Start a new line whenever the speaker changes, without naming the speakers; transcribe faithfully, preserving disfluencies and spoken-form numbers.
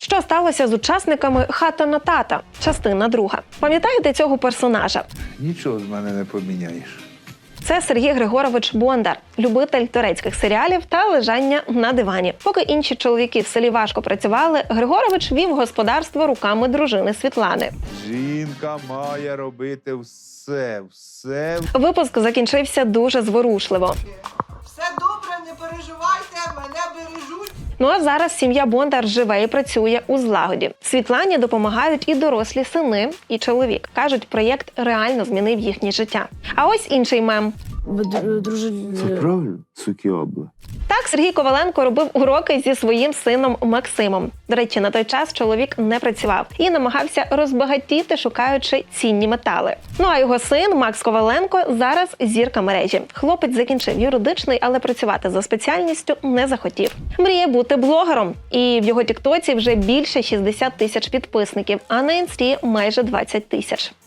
Що сталося з учасниками «Хата на тата», частина друга. Пам'ятаєте цього персонажа?
Нічого з мене не поміняєш.
Це Сергій Григорович Бондар, любитель турецьких серіалів та лежання на дивані. Поки інші чоловіки в селі важко працювали, Григорович вів господарство руками дружини Світлани.
Жінка має робити все, все.
Випуск закінчився дуже зворушливо.
Все добре, не переживайте, мене бережуть.
Ну а зараз сім'я Бондар живе і працює у злагоді. Світлані допомагають і дорослі сини, і чоловік. Кажуть, проєкт реально змінив їхнє життя. А ось інший мем.
Це правильно, суки обла.
Так Сергій Коваленко робив уроки зі своїм сином Максимом. До речі, на той час чоловік не працював і намагався розбагатіти, шукаючи цінні метали. Ну а його син Макс Коваленко зараз зірка мережі. Хлопець закінчив юридичний, але працювати за спеціальністю не захотів. Мріє бути блогером. І в його тіктоці вже більше шістдесят тисяч підписників, а на інсті майже двадцять тисяч.